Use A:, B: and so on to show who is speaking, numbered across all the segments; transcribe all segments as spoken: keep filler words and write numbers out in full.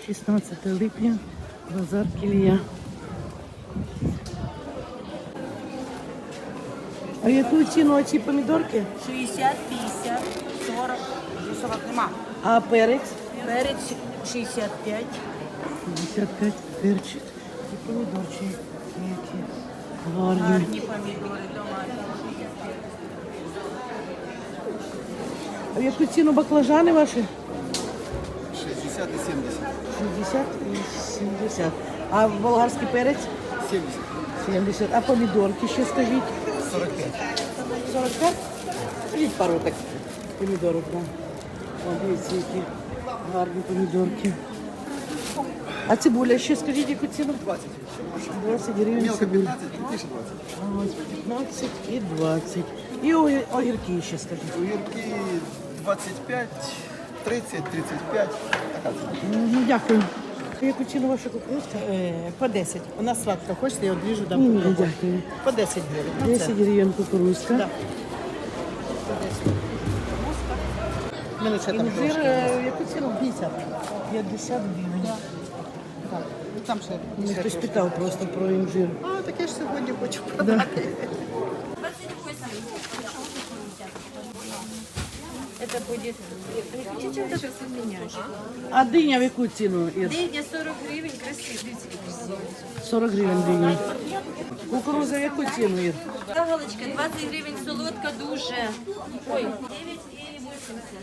A: шістнадцяте липня, базар Кілія. А яку ціну оці помідорки?
B: шістдесят, п'ятдесят, сорок, сорок нема.
A: А перець?
B: Перець шістдесят п'ять.
A: п'ятдесят п'ять перчик. І помідорчики які гарні.
B: Гарні помідори домашні.
A: А в яку ціну баклажани ваші?
C: шестьдесят и семьдесят.
A: шістдесят і сімдесят. А болгарський перець?
C: семьдесят.
A: сімдесят. А помідорки ще скажіть?
C: сорок пять.
A: сорок п'ять? Скажіть пару так помідорок нам. О, дивіться, які гарні помідорки. А цибуля ще скажіть, яку ціну?
C: двадцать.
A: двадцять гривень
C: Мелко
A: цибуля.
C: пятнадцать, крупнейше двадцать.
A: Ось п'ятнадцять і двадцять. І огір- огірки ще скажіть.
C: Огірки двадцать пять, тридцать, тридцать пять. Така ціна.
A: Мгм, дякую. Яку ціну ваша кукурузка?
B: Е, По десять. У нас сладко. Хочете, я одріжу, дам
A: Ні,
B: попробувати.
A: дякую.
B: По десять гривень. Ну, це.
A: десять гривень кукурузка.
B: Да. У мене ще там
A: Інжир,
B: трошки.
A: е, яку ціну?
B: п'ятдесят.
A: п'ятдесят гривень.
B: Так. Ну, там ще.
A: Мене
B: ще
A: хтось
B: трошки.
A: питав просто про інжир.
B: А, таке ж сьогодні хочу продати.
D: Это будет... Хотите вот это поменять?
A: А диня в яку ціну, Ір?
D: Дыня сорок гривен, красивый, видите, красивый.
A: сорок гривень диня. Кукуруза в яку ціну, Ір?
D: Галочка, двадцать гривен, солодка дуже. Ой, девять и восемьдесят.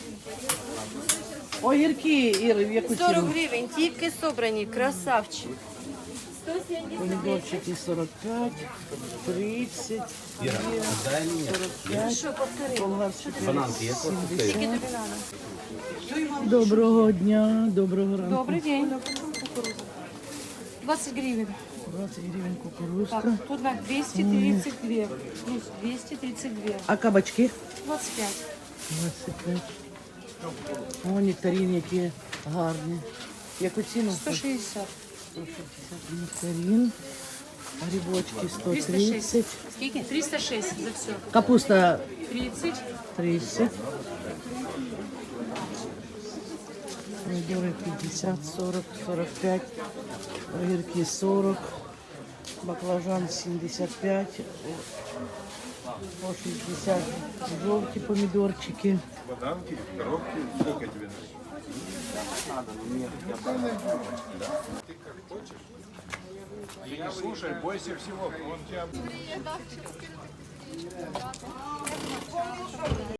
A: Огірки, Ір, в яку
D: сорок
A: ціну?
D: гривен, тільки собрані, красавчик. сто семьдесят.
A: Помідорчики сорок п'ять, тридцать, сорок п'ять,
D: Що, повтори.
A: болгарський перець
D: Скільки
A: сімдесят.
D: тобі надо?
A: Доброго дня, доброго ранку.
D: Добрий день. двадцать гривен.
A: двадцять гривень кукурузка.
D: Так, тут на двести тридцать два. Плюс двести тридцать два.
A: А кабачки?
D: двадцать пять.
A: двадцять п'ять. О, нектарин, які гарні. Яку ціну?
D: сто шестьдесят.
A: сто шістдесят нектарин. Грибочки сто
D: триста шесть.
A: тридцать.
D: Скільки? триста шесть за все.
A: Капуста
D: тридцать.
A: тридцать. Помидоры пятьдесят, сорок, сорок пять. Огірки сорок. Баклажан сімдесят п'ять. По шістдесят. Жовті помідорчики.
E: Бананки, коробки, сколько тебе надо? Ты не слушай, бойся всего, он тебя...